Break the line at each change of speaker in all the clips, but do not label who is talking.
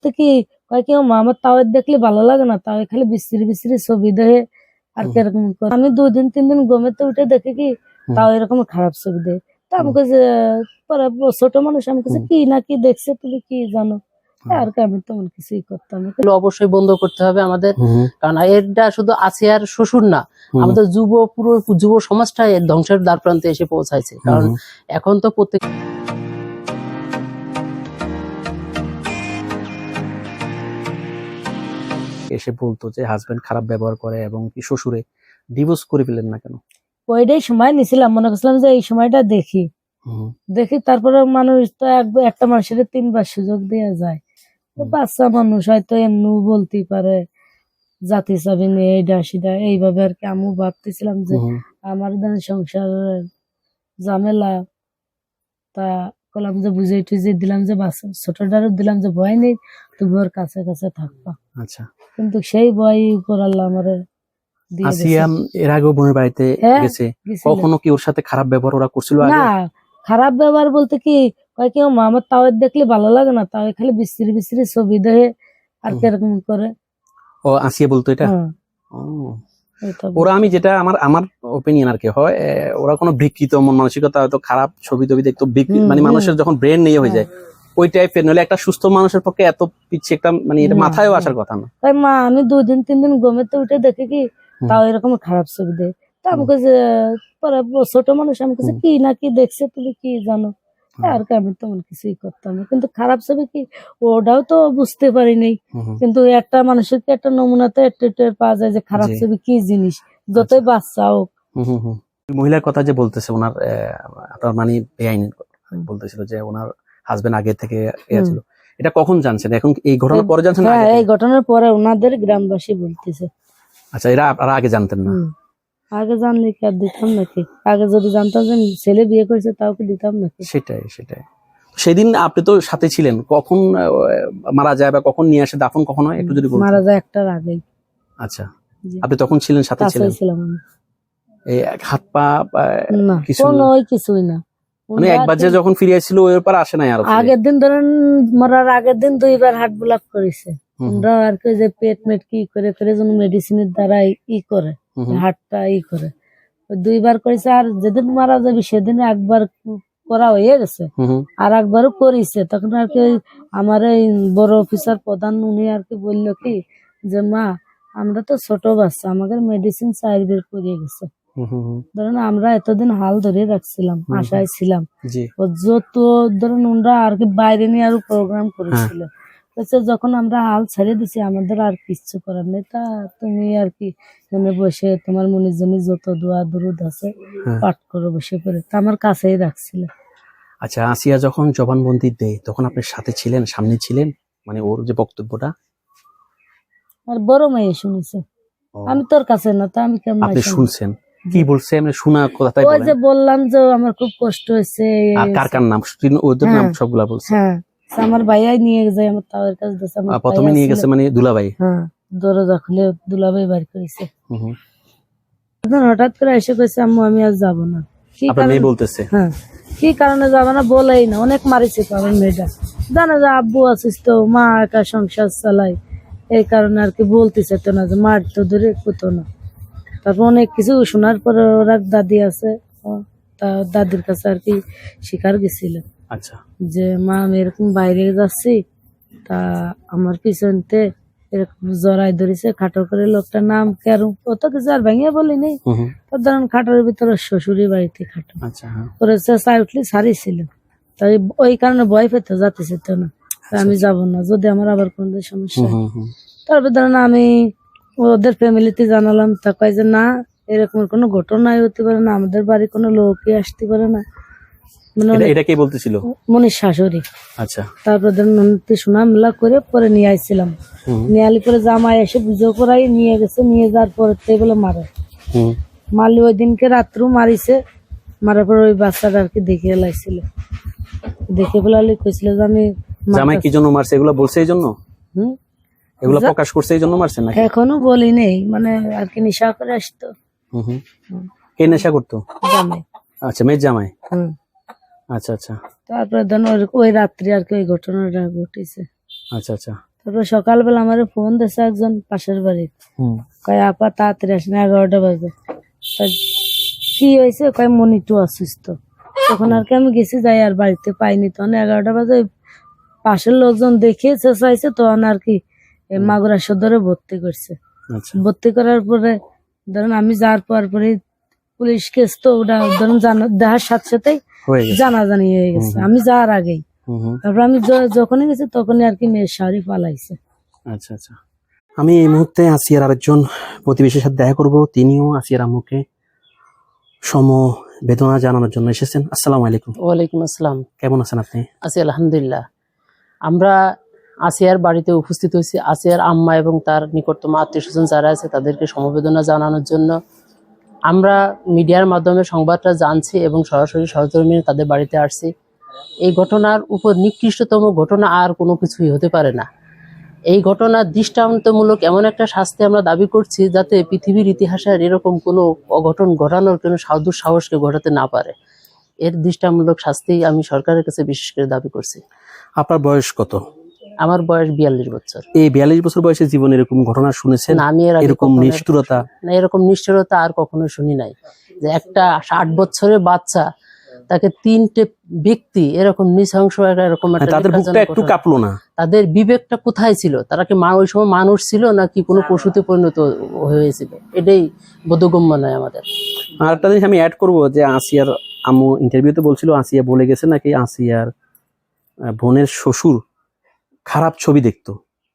কি কয় কি মা আমার তাও দেখলে ভালো লাগে না, তাও খালি বিশ্রী বিশ্রী ছবি দেয় আর কিরকম করে। আমি 2 দিন 3 দিন ঘুমেতে উঠে দেখি কি তাও এরকম খারাপ ছবি দেয়। তা আমি কাছে পরে ছোট মানুষ আমি কাছে কি না কি দেখছে তুমি কি জানো, আর কি আমি তেমন কিছুই করতাম না।
অবশ্যই বন্ধ করতে হবে আমাদের, কারণ এটা শুধু আসিয়ার শ্বশুর না, আমাদের পুরো যুব সমাজটা এর ধ্বংসের দ্বার প্রান্তে এসে পৌঁছাইছে। কারণ এখন তো প্রত্যেক
এসে বলতো যে হাজবেন্ড খারাপ ব্যবহার করে এবং কি শ্বশুরে ডিভোর্স করে ফেলেন না কেন?
ওইটাই সময় নিছিলাম, মনে করছিলাম যে এই সময়টা দেখি তারপরে মানুষ তো একটা মানুষের 3বার সুযোগ দেওয়া যায়। বাচ্চা মানুষ হয়তো এমনি বলতেই পারে জাতি চাবি নিয়ে এইটা সেটা এইভাবে আর কি। আমি ভাবতেছিলাম যে আমার সংসারের ঝামেলা, তা কলাম যে বুঝাই টুঝে দিলাম যে বাচ্চা ছোটটারও দিলাম যে ভয় নেই, তুমি ওর কাছে কাছে থাকবা।
আচ্ছা,
কিন্তু সেই ভয় উপর আল্লাহ আমারে দিয়ে দিয়েছে।
আসিয়া এর আগেও বোনের বাড়িতে গেছে, কখনো কি ওর সাথে খারাপ ব্যবহার ওরা করছিল আগে?
না, খারাপ ব্যবহার বলতে কি কয় কি মা আমার তাও দেখলে ভালো লাগে না, তাও খালি বিশ্রী বিশ্রী ছবি দেয় আর কিরকম করে।
ও আসিয়া বলতো এটা? ওরা আমি যেটা আমার ওপিনিয়ন আর কি হয়, ওরা কোনো বিকৃত মন মানসিকতা, হয়তো খারাপ ছবি টবি দেখতো, মানে মানুষের যখন ব্রেন নিয়ে হয়ে যায় ওই টাইপের, নইলে একটা সুস্থ মানুষের পক্ষে এত পিছিয়ে একটা মানে এটা মাথায়ও আসার কথা না।
তাই মা আমি 2 দিন 3 দিন ঘুমেতে উঠে দেখি কি তাও এরকম খারাপ ছবি দেয়। তা আমি কাছে পরে ছোট মানুষ আমি কাছে কি না কি দেখছে তুমি কি জানো, আর কি আমি তেমন কিছুই করতাম না। কিন্তু খারাপ ছবি কি ওটাও তো বুঝতে পারি নাই, কিন্তু একটা মানুষের কি একটা নমুনাতে একটু পাওয়া যায় যে খারাপ ছবি কি জিনিস, যতই বাচ্চা হোক।
মহিলার কথা যে বলতেছে ওনার আপনার মানে বেআইনি বলতেছিল যে ওনার হাজবেন্ড আগে থেকে ছিল, এটা কখন জানছেন? এখন এই ঘটনার পরে জানছেন?
হ্যাঁ, এই ঘটনার পরে ওনাদের গ্রামবাসী বলতেছে।
আচ্ছা, এরা আপনারা আগে জানতেন না?
আগে জানলে কি আর দিতাম নাকি? আগে যদি জানতাম যে ছেলে বিয়ে করেছে তাও কি দিতাম নাকি?
সেটাই। সেদিন আপনি তো সাথে ছিলেন, কখন মারা যায় বা কখন নিয়ে আসে, দাফন কখন হয় একটু যদি বলতেন।
মারা যায় একটার আগেই।
আচ্ছা, আপনি তখন ছিলেন, সাথে ছিলেন? এই হাত পা
কিছুই না,
মানে একবার যে যখন ফিরে আসছিল ওই পর আসে নাই আর?
আগের দিন ধরেন মরার আগের দিন 2বার হার্ট ব্লক করেছে আর কি, যে পেট মেট কি করে করে যেন মেডিসিনের দ্বারা করে হার্টটা করে 2বার করেছে। আর যেদিন মারা যাবে সেদিন একবার করা হয়ে গেছে, আর একবারও করেছে। তখন আর কি আমার এই বড় অফিসার প্রধান উনি আর কি বললো কি যে মা আমরা তো ছোট বাচ্চা, আমাদের মেডিসিন 4 বের করিয়ে গেছে। ধরেন আমরা এতদিন হাল ধরে রাখছিলাম, আশায় ছিলাম, যত ধরেন ওনারা আর কি বাইরে নিয়ে আরো প্রোগ্রাম করেছিল। যখন আমরা হাল ছেড়ে দিছি আমাদের আর কিচ্ছু করার নেই, তা তুমি আর কি মনে বসে তোমার মনের জন্য যত দোয়া দরুদ আছে পাঠ করো বসে করে, তা আমার কাছেই রাখছিল।
আচ্ছা, আসিয়া যখন জবানবন্দি দেয় তখন আপনি সাথে ছিলেন, সামনে ছিলেন, মানে ওর যে বক্তব্যটা?
আর বড় মেয়ে শুনেছে, আমি তোর কাছে না, তা আমি কেমন?
আপনি শুনছেন? কি বলছে এমনি শোনা কথা?
ওই যে বললাম যে আমার খুব কষ্ট হয়েছে।
আর কার কার নাম? ওদের নাম সবগুলা বলছে?
হ্যাঁ, আমার ভাইয়াই নিয়ে যায়, আমার তাওয়ের কাছে দিয়েছে।
প্রথমে নিয়ে গেছে মানে দুলাভাই?
হ্যাঁ, দরজা খুলে দুলাভাই বাড়ি করেছে। হঠাৎ করে এসে কইছে আম্মু আমি আর যাবো না।
আপনার মেয়ে বলতেছে?
হ্যাঁ, কি কারণে যাবো না বলেই না, অনেক মারিছে তো আমার মেয়েটা, জানে যে আব্বু আছিস তো, মা একা সংসার চালাই, এই কারণে আর কি বলতেছে তো না যে মার তো ধরে কোতো না। তারপর অনেক কিছু শোনার পরে ওরা দাদি আছে, তা দাদির কাছে আর কি শিকার গেছিল।
আচ্ছা,
যে মা আমি এরকম বাইরে যাচ্ছি, তা আমার পিছনতে এরকম জড়াই ধরেছে খাটো করে, লোকটার নাম কেন অত কিছু আর ভেঙে বলিনি। তার ধরেন খাটোর ভিতরে শ্বশুরি বাড়িতে খাটো করেছে, চাই উঠলে সারিছিল, তাই ওই কারণে ভয় পেতে যাতেছে তো না, আমি যাব না যদি আমার আবার কোন সমস্যা। তারপর ধরেন আমি ওদের ফ্যামিলিতে জানালাম, তা কয় যে না এরকম কোনো ঘটনাই হতে পারে না, আমাদের বাড়ি কোনো লোকই আসতে পারে না।
এটা কে বলতেছিল?
মনির শাশুড়ি।
আচ্ছা,
তারপর শোনা মেলা করে পরে নিয়ে আসছিলাম, নিয়ে আলি পরে জামাই এসে বুঝো করাই নিয়ে গেছে, নিয়ে যাওয়ার পরে বলে মারলি ওই দিনকে রাত্রু মারিছে, মারার পর ওই বাচ্চাটা আর কি দেখে লাইছিল, দেখে বলে কইছিল যে আমি
জামাই কি জন্য মারছে এগুলো বলছে, এই জন্য এগুলো প্রকাশ করছে, এই জন্য মারছে না?
এখনো বলি নেই, মানে আর কি নেশা করে আসতো।
কে নেশা করতো?
জামাই।
আচ্ছা, মেয়ের জামাই। আচ্ছা।
তারপরে ধরুন ওই রাত্রি আর কি ওই ঘটনাটা ঘটেছে।
আচ্ছা,
তারপর সকালবেলা আমার ফোন দিয়েছে একজন পাশের বাড়ি, কয় আপা তাড়াতাড়ি আসেন, 11টা বাজে। তা কি হয়েছে, কয় মনিটু অসুস্থ। তখন আর কি আমি গেছি, যাই আর বাড়িতে পাইনি। তখন 11টা বাজে পাশের লোকজন দেখিয়েছে চাইছে, তখন আর কি মাগুরা সদরে ভর্তি করছে।
আচ্ছা
ভর্তি করার পরে ধরুন আমি যাওয়ার পরে পুলিশ কেস তো ওটা ধরুন দেখার সাথে সাথেই
হয়ে গেছে।
জানাজানি হয়ে গেছে আমি যাওয়ার আগেই। তারপর আমি যখনই গেছি তখনই আর কি মেয়ের শাড়ি পালাইছে।
আচ্ছা আচ্ছা, আমি এই মুহূর্তে আসিয়ার আরেকজন প্রতিবেশীর সাথে দেখা করব। তিনিও আসিয়ার আম্মুকে সমবেদনা জানানোর জন্য এসেছেন। আসসালামু আলাইকুম।
ওয়ালাইকুম আসসালাম।
কেমন আছেন আপনি?
আছি আলহামদুলিল্লাহ। আমরা আসিয়ার বাড়িতে উপস্থিত হয়েছি আসিয়ার আম্মা এবং তার নিকটতম আত্মীয় স্বজন যারা আছে তাদেরকে সমবেদনা জানানোর জন্য। আমরা মিডিয়ার মাধ্যমে সংবাদটা জানছি এবং সরাসরি সহকর্মী তাদের বাড়িতে আসছি। এই ঘটনার উপর নিকৃষ্টতম ঘটনা আর কোনো কিছুই হতে পারে না। এই ঘটনার দৃষ্টান্তমূলক এমন একটা শাস্তি আমরা দাবি করছি যাতে পৃথিবীর ইতিহাসে আর এরকম কোনো অঘটন ঘটানোর কোনো সাহসকে ঘটাতে না পারে। এর দৃষ্টান্তমূলক শাস্তি আমি সরকারের কাছে বিশেষ করে দাবি করছি।
আপনার বয়স কত?
আমার বয়স 42 বছর।
এই 42 বছর বয়সে জীবনে এরকম ঘটনা শুনেছেন?
না, আমি এর আগে
এরকম
কখনো
নিষ্ঠুরতা?
না, এরকম নিষ্ঠুরতা আর কখনো শুনি নাই যে একটা 8 বছরের বাচ্চা তাকে 3টে ব্যক্তি এরকম নৃশংস এরকম একটা
তাদের বুকটা একটু কাঁপলো না?
তাদের বিবেকটা কোথায় ছিল? তারা কি ওই সময় মানুষ ছিল নাকি কোনো পশুতে পরিণত হয়েছিল? এটাই বোধগম্য নয় আমাদের।
আর একটা জিনিস আমি অ্যাড করব যে আসিয়ার আম্মু ইন্টারভিউতে বলছিল আসিয়া বলে গেছে নাকি আসিয়ার বোনের শ্বশুর খারাপ ছবি দেখতো।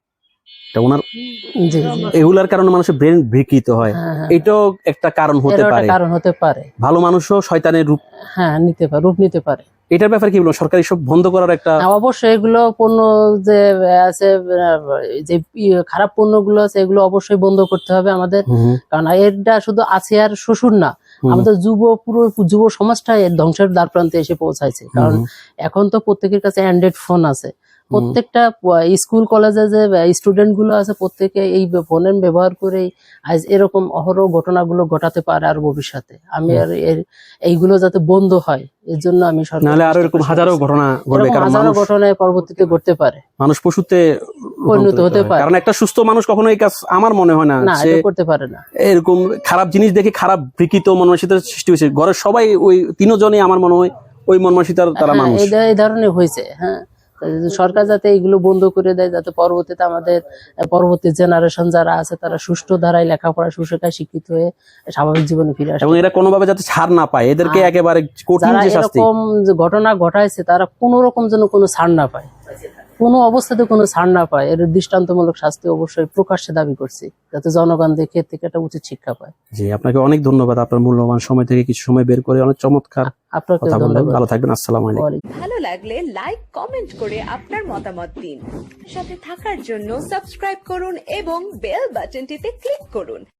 ওনার
জি,
এগুলার কারণে মানুষের ব্রেন বিকৃত হয়। এটাও একটা কারণ হতে পারে।
কারণ হতে পারে।
ভালো মানুষও শয়তানের রূপ
নিতে পারে, রূপ নিতে পারে।
এটার ব্যাপারে কি বলবো? সরকার সব বন্ধ করার একটা
অবশ্যই এগুলো পণ্য যে আছে, যে খারাপ পণ্যগুলো আছে এগুলো অবশ্যই বন্ধ করতে হবে আমাদের। কারণ এটা শুধু আসিয়ার শ্বশুর না, আমাদের পুরো যুব সমাজটা এর ধ্বংসের দ্বার প্রান্তে এসে পৌঁছাইছে। কারণ এখন তো প্রত্যেকের কাছে অ্যান্ড্রয়েড ফোন আছে। প্রত্যেকটা স্কুল কলেজে যে স্টুডেন্ট গুলো আছে প্রত্যেকে এই ফোনের ব্যবহার করেই আজ এরকম অহরহ ঘটনাগুলো ঘটাতে পারে আর ভবিষ্যতে। আমি আর এইগুলো যাতে বন্ধ হয় এর জন্য আমি
নাহলে আরো এরকম হাজারো ঘটনা ঘটবে। কারণ
হাজারো ঘটনায় পরবর্তীতে ঘটতে পারে,
মানুষ পশুতে
পরিণত হতে পারে।
কারণ একটা সুস্থ মানুষ কখনো এই কাজ আমার মনে হয় না
সে করতে পারে না।
এরকম খারাপ জিনিস দেখে খারাপ বিকৃত মনমানসিকতার সৃষ্টি হয়েছে। ঘরের সবাই ওই তিনজনই আমার মনে হয় ওই মনমানসিকতার তারা মানুষ।
এই ধরনের হয়েছে। সরকার যাতে এগুলো বন্ধ করে দেয়, যাতে পরবর্তীতে আমাদের পরবর্তী জেনারেশন যারা আছে তারা সুষ্ঠু ধারায় লেখাপড়া সুশিক্ষায় শিক্ষিত হয়ে স্বাভাবিক জীবনে ফিরে আসে
এবং এরা কোনোভাবে যাতে ছাড় না পায়, এদেরকে একেবারে কঠিন যে শাস্তি।
এরকম যে ঘটনা ঘটাইছে তারা কোনো রকম যেন কোনো ছাড় না পায়, কোনো অবস্থাতে কোনো ছাড় না পায়। এর দৃষ্টান্তমূলক শাস্তি অবশ্যই প্রকাশ্যে দাবি করছি, যাতে জনগণ দেখে থেকে একটা উচিত শিক্ষা পায়।
জি, আপনাকে অনেক ধন্যবাদ। আপনার মূল্যবান সময় থেকে কিছু সময় বের করে অনেক চমৎকার
আপনাকে
কথা বললেন।
ধন্যবাদ।
ভালো থাকবেন। আসসালামু আলাইকুম।
ভালো লাগলে লাইক কমেন্ট করে আপনার মতামত দিন। সাথে থাকার জন্য সাবস্ক্রাইব করুন এবং বেল বাটনটিতে ক্লিক করুন।